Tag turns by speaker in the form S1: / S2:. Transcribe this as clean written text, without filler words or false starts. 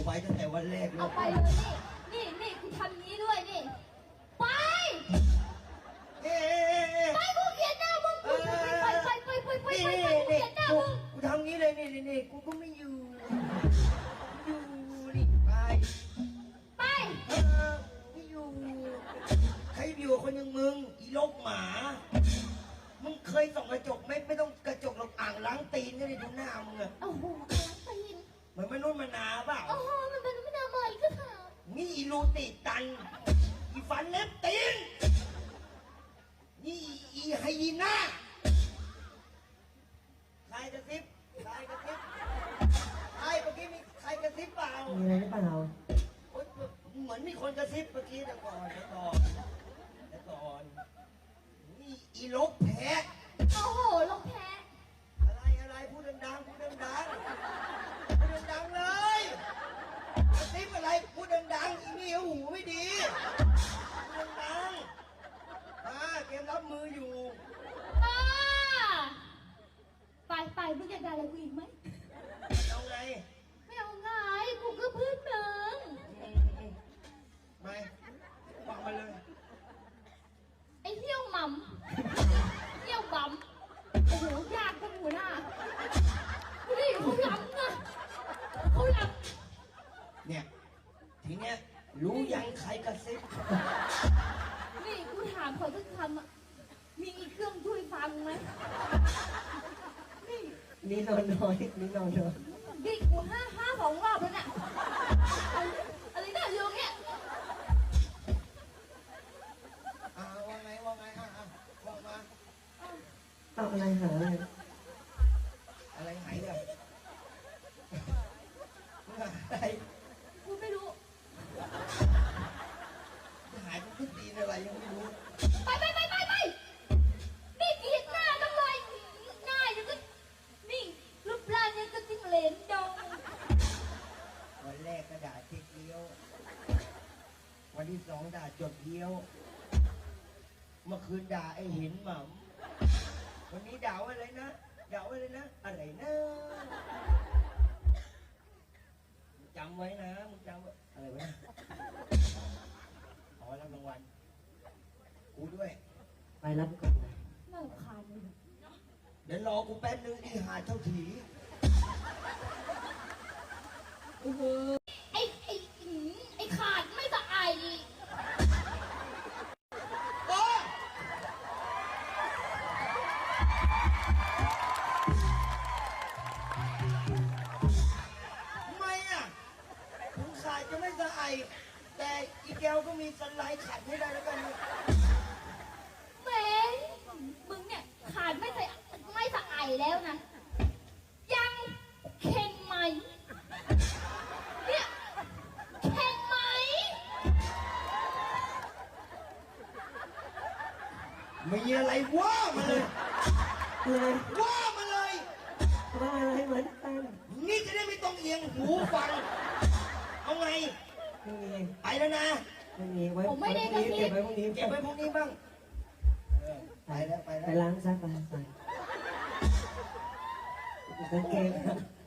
S1: ไว้ตั้งแต่วันแรก
S2: เอาไปเลยนี่กูทำนี้ด้วยนี่ไปไปกูเกลียดหน้ามึงไปกูเกลียดหน้ามึง
S1: กูทำงี้เลยนี่กูก็ไม่อยู่นี่ไปไม่อยู่ใครอยู่กับคนอย่างมึงอีโลกหมามึงเคยส่องกระจกไหมไม่ต้องกระจกหรอกอ่างล้างตีนก็ได้ดูหน้ามึงอะ
S2: โอ้โหล้างตีน
S1: เหมือนมนุษย์มนาเปล่า
S2: โอ้โหมันเป็นไม่น่ามาอีกก็ถาม
S1: นี่อีรูติตันอีฟันเล็บตีนนี่อีไฮยีน่าใครกระซิบใครเมื่อกี้มีใครกระซิบเปล่า
S3: มีอะไรหรือเปล่า
S1: เหมือนมีคนกระซิบเมื่อกี้แต่ก่อนนี่อีลกแพ้
S2: โอ้โหลกแพ้
S1: อะไรพูดดังเลยกระซิบอะไรพูดดังอีนี่หูไม่ดีพูดดังเกมรับมืออยู่
S2: ไปมึงอยากได้อะไรกูอีกไหม
S1: เอาไง
S2: ไม่เอาไงกูก็เพื่อนมึง
S1: ไม่บอกมาเลย
S2: ไอ้เหี้ยวหม่ำเหี้ยวบั๋มโอ้โหยากจังหัวหน้านี่เขาล้ำนะเขาล้
S1: ำเนี่ยทีเนี้ยรู้ยังใครกระซิบ
S2: นี่กูถามเขาสักคำอ่ะมีเครื่องช่วยฟังไหม
S3: นี่นอนน้อย
S2: นี่กูห้าสองรอบแล้วเนี่ยอะไรเนี่ยโยงเนี่ย
S1: ว่าไงว่ามา
S3: เอาอะไรหา
S1: อะไรหายเนี่ยอะไร
S2: กูไม่รู้
S1: หายกูขึ้นตีนอะไรยังไม่รู้
S2: ไปนี่เกลียดหน้าจังเลยหน้ายังก็นี่รูปร่างยังก็จิ้งเหลนดง
S1: วันแรกก็ด่าเจ๊เกี้ยววันที่สองด่าจดเกี้ยวเมื่อคืนด่าไอ้หินหม่ำวันนี้ด่าอะไรนะอะไรนะจำไว้นะมึงจำไว้อะไรวะขอรับรางวัลกูด้วย
S3: ไปรับก่อนนะ
S2: น่ารำคาญเลย
S1: เดี๋ยวรอกูแป๊บนึงอีหาเท่าถี
S2: ไอ้ขาดไม่สะอาย
S1: จะไม่สะอาดแต่อีแก้วก็มีสไลด์ขัดให้ได้แล้วกัน
S2: แหมมึงเนี่ยขาดไม่สะอายแล้วนะยังเข่งไหมเนี่ยเข่งไหม
S1: มีอะไรว่ามาเลยว่ามาเลย
S3: ว่าอะไรเหมือนกัน
S1: นี่จะได้ไม่ต้องเอียงหูฟังเอาไง
S3: ไม่มี
S1: ไปแล้วนะ
S3: ไม่มีไว้
S2: ผมไม่ได้กระซิบ
S3: เก็บไว้พรุ่ง
S1: นี้บ้างไปแล้ว
S3: ไปล้างซะไปกางเกง